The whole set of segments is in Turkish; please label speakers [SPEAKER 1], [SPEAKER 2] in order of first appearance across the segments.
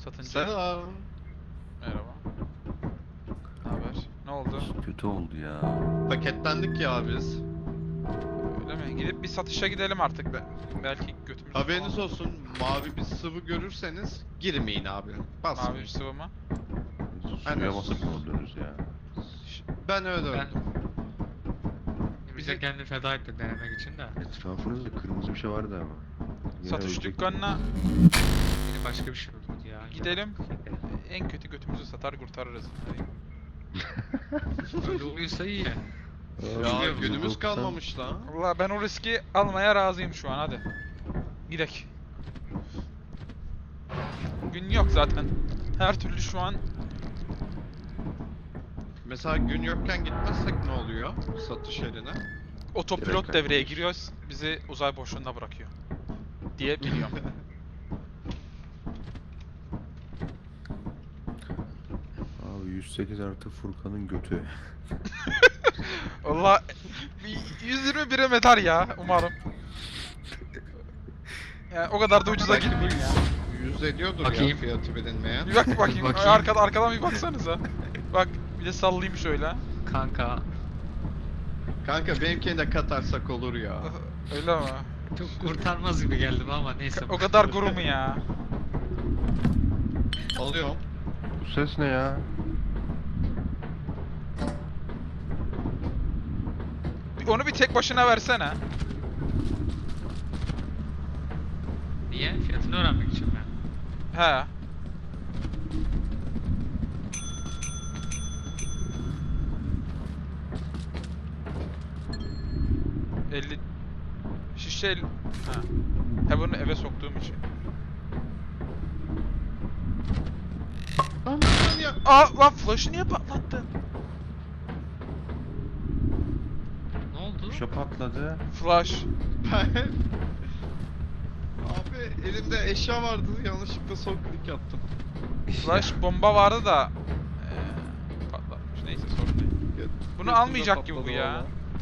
[SPEAKER 1] Satınca.
[SPEAKER 2] Selam.
[SPEAKER 1] Merhaba. Ne haber? Ne oldu?
[SPEAKER 3] Kötü oldu ya.
[SPEAKER 2] Paketlendik ya biz.
[SPEAKER 1] Öyle mi? Gidip bir satışa gidelim artık be. Belki götümüzü
[SPEAKER 2] Haberiniz
[SPEAKER 1] falan-
[SPEAKER 2] olsun, mavi bir sıvı görürseniz girmeyin abi. Basmayın.
[SPEAKER 1] Mavi bir sıvı mı?
[SPEAKER 2] Aynen.
[SPEAKER 3] Suya basıp mı öldürürüz ya?
[SPEAKER 2] Ben öyle
[SPEAKER 4] Ben-
[SPEAKER 2] öldüm.
[SPEAKER 4] Bize kendini feda etti denemek için de.
[SPEAKER 3] Etrafınızda kırmızı bir şey vardı ama. Yine
[SPEAKER 1] Satış
[SPEAKER 3] ölecek.
[SPEAKER 1] dükkanına
[SPEAKER 4] Yine başka bir şey oldu ya.
[SPEAKER 1] gidelim. En kötü götümüzü satar kurtarırız.
[SPEAKER 4] Öyle oluyorsa iyi ya.
[SPEAKER 2] Ya
[SPEAKER 3] Abi,
[SPEAKER 2] günümüz
[SPEAKER 3] 190
[SPEAKER 2] kalmamış lan.
[SPEAKER 1] Valla ben o riski almaya razıyım şu an, hadi. Gidek. Gün yok zaten. Her türlü şu an
[SPEAKER 2] Mesela gün yokken gitmezsek ne oluyor satış yerine?
[SPEAKER 1] otopilot
[SPEAKER 3] Direkt
[SPEAKER 1] devreye
[SPEAKER 3] kaybediyoruz.
[SPEAKER 1] giriyoruz. Bizi uzay boşluğunda bırakıyor. Diye biliyorum.
[SPEAKER 3] Abi 108 artı Furkan'ın götü.
[SPEAKER 1] Valla 120 birim eder ya umarım. Yani o kadar da ucuza girmeyeyim ya.
[SPEAKER 2] 100 ediyordur ya
[SPEAKER 4] Bakayım.
[SPEAKER 2] fiyatı bilinmeyen.
[SPEAKER 1] Bir bak bakayım.
[SPEAKER 4] Bakayım.
[SPEAKER 1] Arkadan bir baksanıza. Bak bir de sallayayım şöyle.
[SPEAKER 4] Kanka
[SPEAKER 2] Kanka benimkini de katarsak olur ya.
[SPEAKER 1] Öyle mi?
[SPEAKER 4] çok kurtarmaz gibi geldim ama neyse.
[SPEAKER 1] O kadar guru mu ya?
[SPEAKER 2] Alıyorum.
[SPEAKER 3] Bu ses ne ya?
[SPEAKER 1] Onu bir tek başına versene.
[SPEAKER 4] Niye? Fiyatını öğrenmek için mi?
[SPEAKER 1] He. ...50... Şişe... Ha. He bunu eve soktuğum için.
[SPEAKER 2] Lan ya.
[SPEAKER 1] Lan flash'ı niye patlattın?
[SPEAKER 4] Ne oldu?
[SPEAKER 3] Bir şey patladı.
[SPEAKER 1] Flash.
[SPEAKER 2] Abi elimde eşya vardı, yanlışlıkla sol klik yaptım.
[SPEAKER 1] Flash bomba vardı da... patlatmış. Neyse sorun değil. Bunu
[SPEAKER 2] Götümde
[SPEAKER 1] almayacak gibi bu
[SPEAKER 2] patladı
[SPEAKER 1] ya.
[SPEAKER 2] valla.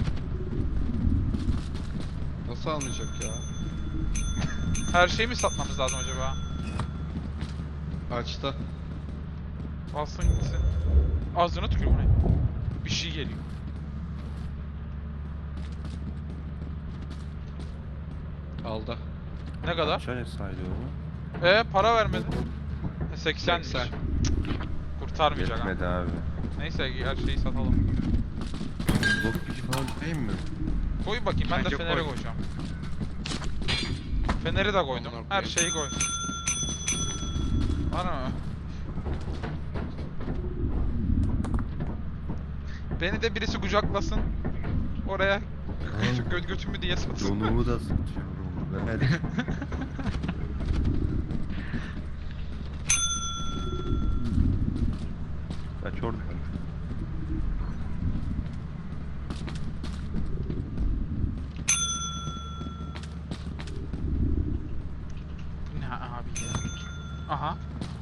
[SPEAKER 2] Nasıl almayacak ya?
[SPEAKER 1] Her şeyi mi satmamız lazım acaba?
[SPEAKER 2] Açtı.
[SPEAKER 1] Alsın gitsin. Ağzına tükür bu ne? Bir şey geliyor.
[SPEAKER 2] Aldı.
[SPEAKER 1] Ne kadar?
[SPEAKER 3] Şöyle saydı onu.
[SPEAKER 1] Para vermedi. 80'miş.
[SPEAKER 2] 80.
[SPEAKER 1] Kurtarmayacak ha.
[SPEAKER 3] Yetmedi abi.
[SPEAKER 1] Neyse her şeyi satalım.
[SPEAKER 3] Blok gücü falan değil mi?
[SPEAKER 1] Koy bakayım, ben de
[SPEAKER 2] Bence
[SPEAKER 1] feneri
[SPEAKER 2] koy.
[SPEAKER 1] koyacağım. Feneri de koydum.
[SPEAKER 2] Ondan
[SPEAKER 1] Her
[SPEAKER 2] koy.
[SPEAKER 1] şeyi koy. Var mı? Beni de birisi kucaklasın. Oraya götümü diye satsın.
[SPEAKER 3] Donumu da sıkıyorum. Ver. Kaç oradan.
[SPEAKER 1] Bu ne abi ya? Aha.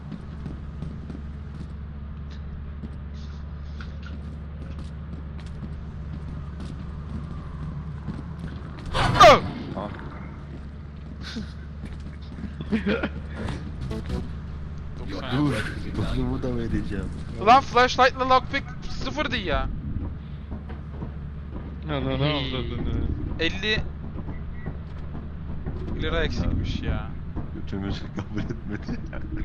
[SPEAKER 1] Oh!
[SPEAKER 3] Ah. Dur. Donumu da vereceğim.
[SPEAKER 1] Ulan flashlight'la lockpick sıfırdı ya.
[SPEAKER 2] Ananı avradını.
[SPEAKER 1] 50 lira eksikmiş ya.
[SPEAKER 3] Götümüzü kabul etmedi.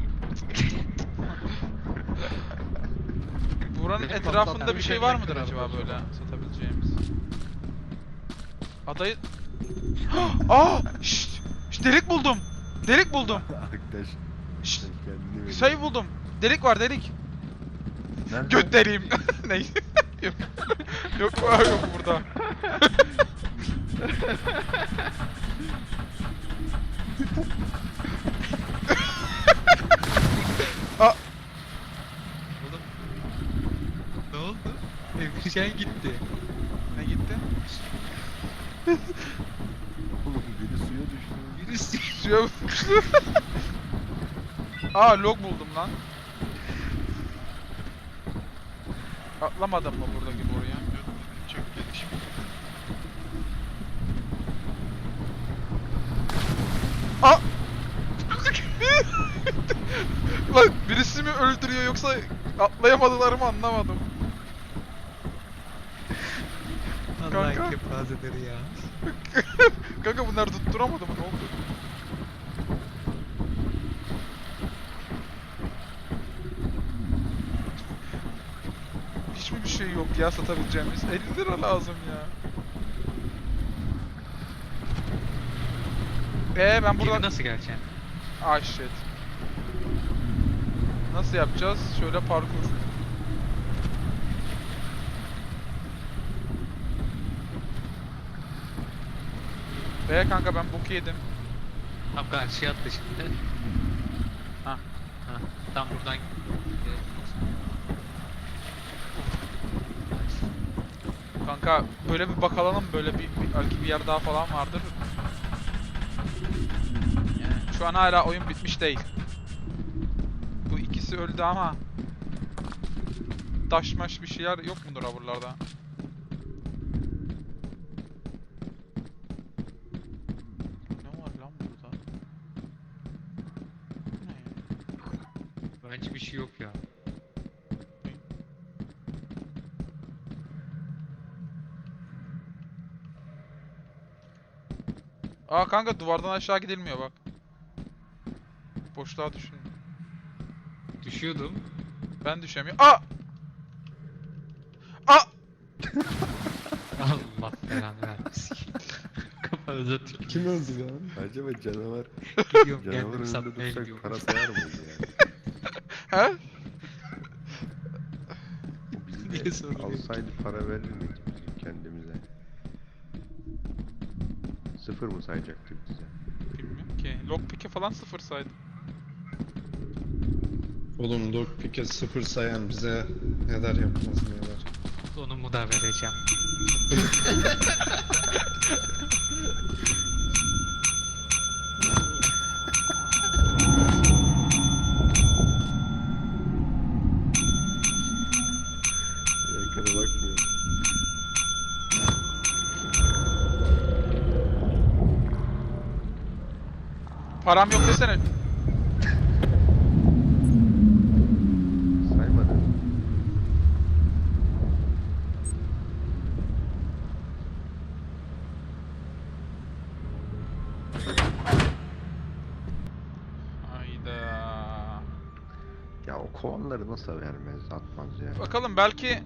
[SPEAKER 1] Buranın
[SPEAKER 2] Benim
[SPEAKER 1] etrafında
[SPEAKER 2] patlattığım
[SPEAKER 1] bir şey
[SPEAKER 2] şey
[SPEAKER 1] var
[SPEAKER 2] ne
[SPEAKER 1] mıdır
[SPEAKER 2] kadar
[SPEAKER 1] acaba
[SPEAKER 2] acaba?
[SPEAKER 1] böyle satabileceğimiz? Adayı... Aa! Şşt! Şşt, delik buldum! Delik buldum!
[SPEAKER 3] Arkadaş.
[SPEAKER 1] Şşt!
[SPEAKER 3] sen kendini ver.
[SPEAKER 1] Sayı buldum! Delik var, delik!
[SPEAKER 3] Nerede?
[SPEAKER 1] Göt deliğim! Neyse. Yok. Yok burada. Aa!
[SPEAKER 4] Oğlum. Ne oldu? Evşen gitti.
[SPEAKER 1] Ne gitti?
[SPEAKER 3] Oğlum biri suya düştü.
[SPEAKER 4] Birisi.
[SPEAKER 1] Suya uçtu. Aa, log buldum lan. Atlamadım mı buradaki boruya?
[SPEAKER 2] Çok gelişmiş.
[SPEAKER 1] Aa! Lan birisi mi öldürüyor yoksa atlayamadılar mı anlamadım.
[SPEAKER 4] Allah
[SPEAKER 1] Kanka.
[SPEAKER 4] kepazeleri ya.
[SPEAKER 1] Kanka bunlar tutturamadı mı ne oldu? Hiç mi bir şey yok ya satabileceğimiz? 50 lira lazım ya. Ben
[SPEAKER 4] Geri
[SPEAKER 1] buradan...
[SPEAKER 4] nasıl geleceksin?
[SPEAKER 1] Ah shit. Nasıl yapacağız? Şöyle parkur. Kanka ben boku yedim.
[SPEAKER 4] Tam karşıya attı şimdi.
[SPEAKER 1] Ha.
[SPEAKER 4] Ha. Tam buradan.
[SPEAKER 1] Kanka böyle bir bakalım böyle belki bir yer daha falan vardır. Yani şu an hala oyun bitmiş değil. Bu ikisi öldü ama taşmaş bir şeyler yok mudur ha buralarda? Ne var lan burada? Bu ne ya?
[SPEAKER 4] Bence bir şey yok ya.
[SPEAKER 1] Aa kanka duvardan aşağı gidilmiyor bak. Boşluğa düşün.
[SPEAKER 4] Düşüyordum.
[SPEAKER 1] Ben düşemiyorum. Aa! Aa!
[SPEAKER 4] Allah belanı vermesin. Kafanıza tüküreyim.
[SPEAKER 3] Kim öldü lan? Acaba canavar.
[SPEAKER 4] Gidiyorum
[SPEAKER 3] Canavar
[SPEAKER 4] kendimi
[SPEAKER 3] önünde
[SPEAKER 4] satmaya
[SPEAKER 3] dursak
[SPEAKER 4] gidiyorum.
[SPEAKER 3] para sayar mıydı yani?
[SPEAKER 1] He?
[SPEAKER 3] Biz
[SPEAKER 4] Niye
[SPEAKER 3] de
[SPEAKER 4] soruyorsun?
[SPEAKER 3] alsaydı para verir miydik biz kendimize? Sıfır mı sayacaktık bize?
[SPEAKER 1] Bilmiyorum ki. Lockpick'e falan sıfır saydım.
[SPEAKER 2] Oğlum lockpick'e 0 sayan bize neler yapmaz neler.
[SPEAKER 4] Sonumu da vereceğim.
[SPEAKER 3] Ekrana bakmıyorum.
[SPEAKER 1] Param yok desene.
[SPEAKER 3] Saymadı.
[SPEAKER 1] Hayda.
[SPEAKER 3] Ya o kovanları nasıl vermez, atmaz ya.
[SPEAKER 1] Bakalım belki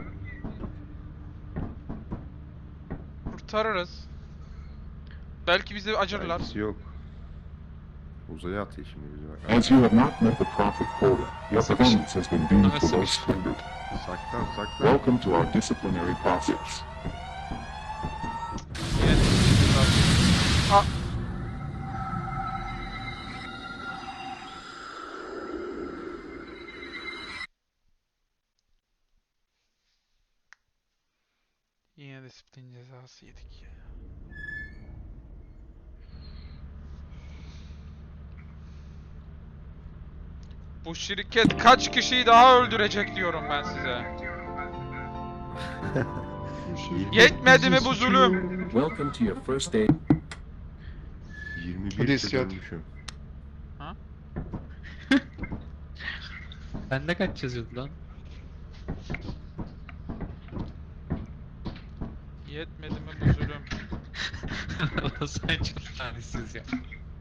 [SPEAKER 1] kurtarırız. Belki bizi acırlar.
[SPEAKER 3] Belkisi yok. Uzaya atıyor şimdi bizi bak.
[SPEAKER 5] As you have not met the profit quota, your performance has been deemed below standard.
[SPEAKER 3] Saklan saklan.
[SPEAKER 5] Welcome to our disciplinary process.
[SPEAKER 1] Yine de Aa! Yine disiplin cezası yedik ya. Bu şirket kaç kişiyi daha öldürecek diyorum ben size. Yetmedi mi bu zulüm?
[SPEAKER 5] Welcome to your first day.
[SPEAKER 3] 21
[SPEAKER 2] Polis yok.
[SPEAKER 3] dönmüşüm.
[SPEAKER 4] Bende kaç yazıyordu lan?
[SPEAKER 1] Yetmedi mi bu zulüm?
[SPEAKER 4] O sen çok talihsiz ya.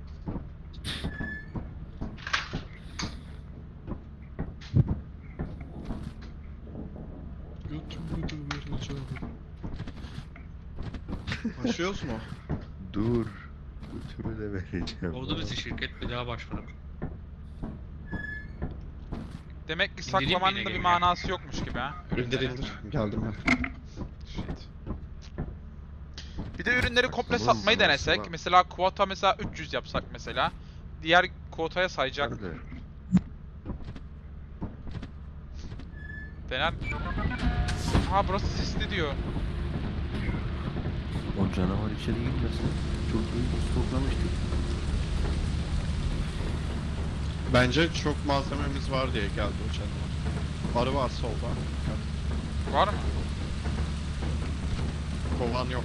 [SPEAKER 2] Başlıyoruz mu?
[SPEAKER 3] Dur. Götümü de vereceğim.
[SPEAKER 4] Oldu bizi şirket bir daha başvuralım.
[SPEAKER 1] Demek ki
[SPEAKER 4] İndireyim mi
[SPEAKER 1] saklamanın
[SPEAKER 4] yine
[SPEAKER 1] da bir
[SPEAKER 4] geri?
[SPEAKER 1] manası yokmuş gibi ha.
[SPEAKER 2] İndir indir. Geldim ben.
[SPEAKER 1] Shit. Bir de ürünleri komple
[SPEAKER 3] Saklamanın
[SPEAKER 1] satmayı
[SPEAKER 3] manası
[SPEAKER 1] denesek.
[SPEAKER 3] var.
[SPEAKER 1] Mesela kuota mesela 300 yapsak mesela. Diğer kuotaya sayacak.
[SPEAKER 3] Nerede?
[SPEAKER 1] Dener. Ha burası sisli diyor.
[SPEAKER 3] O canavar içeri girmesin. Çok iyi stoklamıştık.
[SPEAKER 2] Bence çok malzememiz var diye geldi o canavar. Arı var solda. Dikkat.
[SPEAKER 1] Var mı?
[SPEAKER 2] Kovan yok.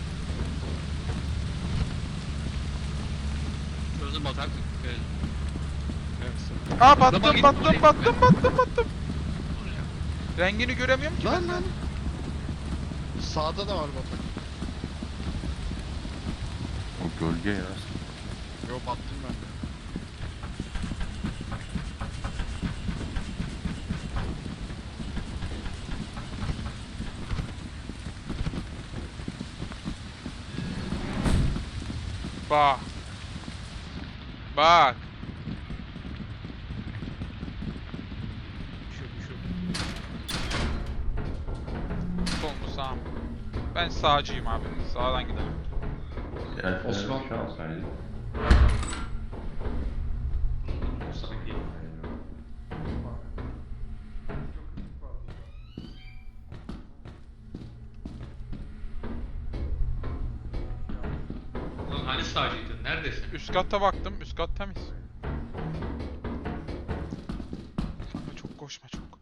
[SPEAKER 4] Sözü bataklık.
[SPEAKER 1] Aa
[SPEAKER 4] Zaman
[SPEAKER 1] battım
[SPEAKER 4] gitti
[SPEAKER 1] battım
[SPEAKER 4] oraya.
[SPEAKER 1] battım. Rengini göremiyorum ki ben.
[SPEAKER 2] Lan. Sağda da var batak.
[SPEAKER 5] O gölge ya.
[SPEAKER 2] Yo battım ben de.
[SPEAKER 1] Bak. Bak.
[SPEAKER 4] Şu.
[SPEAKER 1] Sol mu sağ mı? Ben sağcıyım abi. Sağdan gidelim.
[SPEAKER 2] Osman.
[SPEAKER 4] Sanki. Ulan hani sağcıydın? Neredesin?
[SPEAKER 1] Üst katta baktım. Üst kat temiz. Kanka çok koşma çok.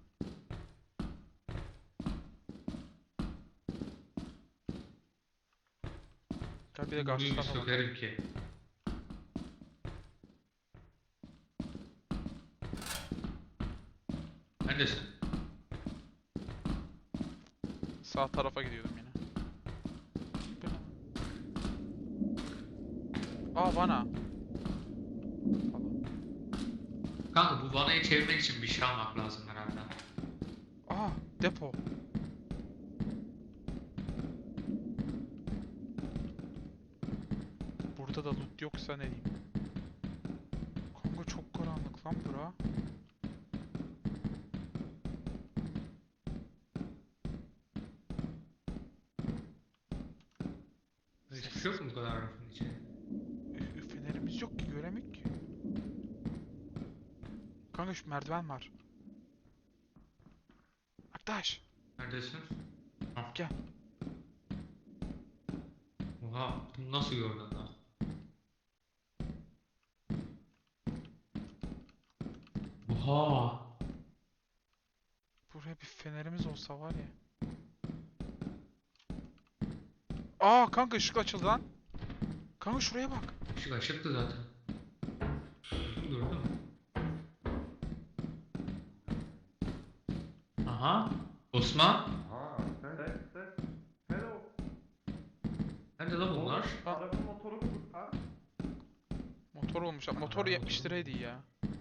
[SPEAKER 1] Gel bir de karşı
[SPEAKER 4] Büyük
[SPEAKER 1] tarafa bak.
[SPEAKER 4] sökerim ki. Neredesin?
[SPEAKER 1] Sağ tarafa gidiyordum yine. Bu ne? Aa bana.
[SPEAKER 4] Kanka bu vanayı çevirmek için bir şey almak lazım herhalde.
[SPEAKER 1] Aa depo. Burada da loot yoksa ne diyeyim? Kanka çok karanlık lan bura.
[SPEAKER 4] Hiçbir şey yok mu bu kadar rafın içinde?
[SPEAKER 1] Fenerimiz yok ki göremek ki. Kanka şu merdiven var. Arkadaş.
[SPEAKER 4] Neredesin?
[SPEAKER 1] Gel.
[SPEAKER 4] Oha, bunu nasıl gördün lan? Oha!
[SPEAKER 1] Buraya bir fenerimiz olsa var ya. Aa kanka ışık açıldı lan. Kanka şuraya bak.
[SPEAKER 4] Işık açıktı zaten. Durdu mu? Aha! Osman!
[SPEAKER 3] Hello.
[SPEAKER 4] Nerede lan bunlar?
[SPEAKER 3] Araba motoru ha?
[SPEAKER 1] Motor olmuş. Motor 70 liraydı ya.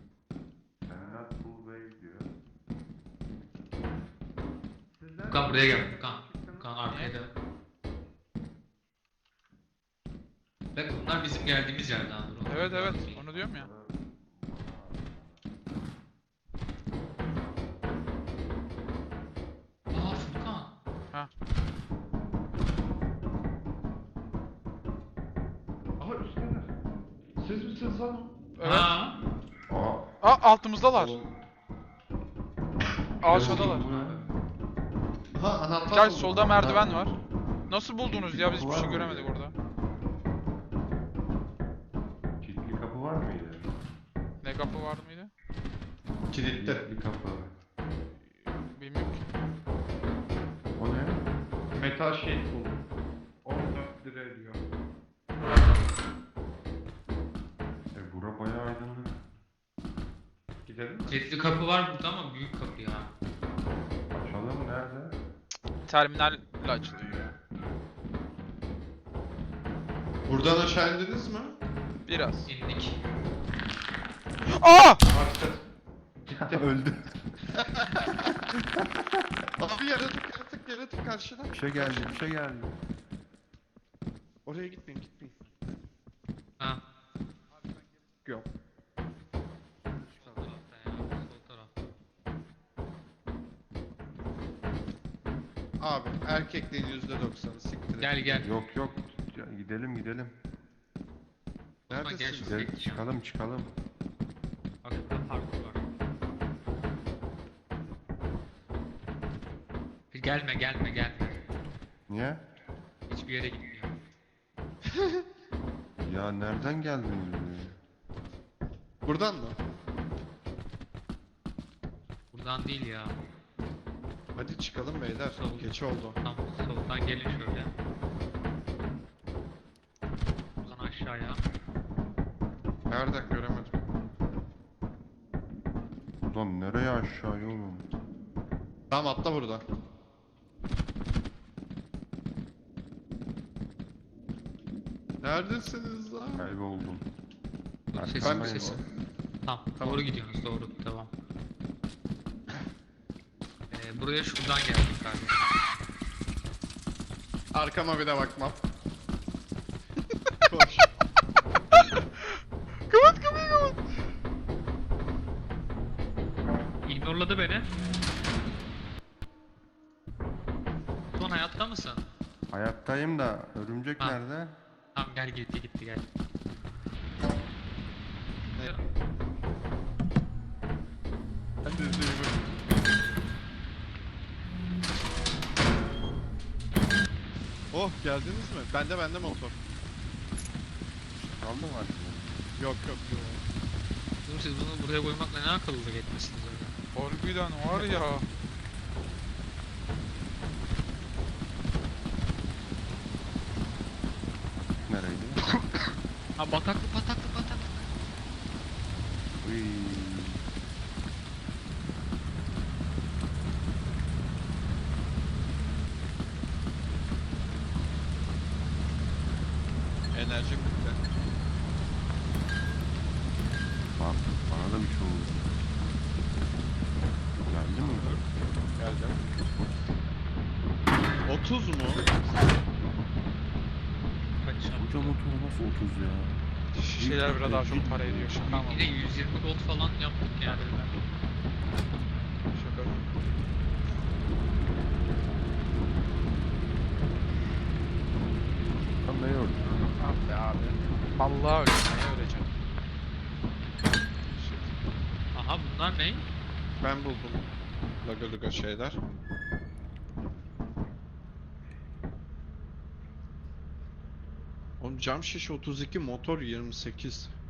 [SPEAKER 4] Furkan buraya gel. Furkan arkaya dön. Bak bunlar bizim geldiğimiz yerden. Dur,
[SPEAKER 1] Evet evet onu diyorum ya.
[SPEAKER 4] Aa Furkan.
[SPEAKER 1] Ha.
[SPEAKER 3] Aha üstteler. Siz misiniz lan?
[SPEAKER 1] Evet.
[SPEAKER 4] Ha.
[SPEAKER 1] Aa altımızdalar. Aşağıdalar.
[SPEAKER 2] Ha anahtar
[SPEAKER 1] Gel
[SPEAKER 2] buldum.
[SPEAKER 1] solda merdiven var. Nasıl buldunuz ya biz hiçbir şey göremedik orada.
[SPEAKER 3] Kilitli kapı var mıydı?
[SPEAKER 1] Ne kapı var mıydı?
[SPEAKER 2] Kilitli.
[SPEAKER 3] Bir kapı.
[SPEAKER 1] Bilmiyorum ki.
[SPEAKER 3] O ne? Metal sheet buldum. 14 lira ediyor. Bura bayağı aydınlık. Gidelim mi?
[SPEAKER 4] Kilitli kapı var burada ama büyük kapı ya.
[SPEAKER 3] Açalım nerede?
[SPEAKER 1] Terminalle açılıyor ya.
[SPEAKER 2] Buradan aşağı indiniz mi?
[SPEAKER 1] Biraz.
[SPEAKER 4] İndik.
[SPEAKER 1] Aa!
[SPEAKER 3] Gitti. Öldü.
[SPEAKER 2] Abi yaratık karşıda.
[SPEAKER 3] Bir şey geldi.
[SPEAKER 2] Oraya gitmeyin.
[SPEAKER 4] Ha.
[SPEAKER 2] Yok.
[SPEAKER 4] Sol tarafta ya. Sol tarafta.
[SPEAKER 2] Abi erkekliğin %90'ı siktir.
[SPEAKER 4] Gel gel.
[SPEAKER 3] Yok. Ya, gidelim.
[SPEAKER 4] Osman gel
[SPEAKER 2] Neredesiniz?
[SPEAKER 4] şuraya gideceğim.
[SPEAKER 3] Çıkalım.
[SPEAKER 4] Bak burada parkur var. Gelme.
[SPEAKER 3] Niye?
[SPEAKER 4] Hiçbir yere gitmiyor.
[SPEAKER 3] Ya nereden geldin?
[SPEAKER 2] Buradan mı?
[SPEAKER 4] Buradan değil ya.
[SPEAKER 2] Hadi çıkalım beyler.
[SPEAKER 4] Sol.
[SPEAKER 2] Geç oldu.
[SPEAKER 4] Tam soldan gelin şöyle. Buradan aşağıya.
[SPEAKER 2] Nerede göremedim.
[SPEAKER 3] buradan nereye aşağıya oğlum?
[SPEAKER 2] Tamam atla burada. Neredesiniz lan?
[SPEAKER 3] Kayboldum.
[SPEAKER 4] Sesim
[SPEAKER 3] Arkandayım
[SPEAKER 4] sesim. Tamam,
[SPEAKER 2] Tamam.
[SPEAKER 4] doğru gidiyorsunuz, doğru, devam. Buraya şuradan geldik kardeşim.
[SPEAKER 2] Arkama bir de bakmam. Koş.
[SPEAKER 1] Kapat kapıyı kapat.
[SPEAKER 4] İgnorladı beni. Son hayatta mısın?
[SPEAKER 3] Hayattayım da örümcek
[SPEAKER 4] Ha.
[SPEAKER 3] nerede?
[SPEAKER 4] Tamam gel, gitti gel.
[SPEAKER 2] Ben de izleyeyim. Oh geldiniz mi? Bende motor.
[SPEAKER 3] Kaldı mı artık?
[SPEAKER 2] Yok.
[SPEAKER 4] Oğlum siz bunu buraya koymakla ne akıllılık etmişsiniz öyle.
[SPEAKER 1] Harbiden var ya.
[SPEAKER 3] Nereydi?
[SPEAKER 4] Ha, bataklık.
[SPEAKER 3] Uy.
[SPEAKER 2] Enerji bitti.
[SPEAKER 3] Bak bana da bir şey oldu. Geldi mi?
[SPEAKER 2] Geldim. 30 mu?
[SPEAKER 4] Kaçacağım.
[SPEAKER 3] Koca motor nasıl 30 ya?
[SPEAKER 1] Şişeler biraz daha çok para ediyor. Şaka mı?
[SPEAKER 4] Yine 120 gold falan yaptık yani.
[SPEAKER 1] Şaka mı?
[SPEAKER 3] Tam ne gördün?
[SPEAKER 1] Ah be abi. Vallahi öleceksin. Neye öleceksin?
[SPEAKER 4] Aha, bunlar ne?
[SPEAKER 2] Ben buldum. Laga şeyler. Oğlum cam şişe 32, motor 28.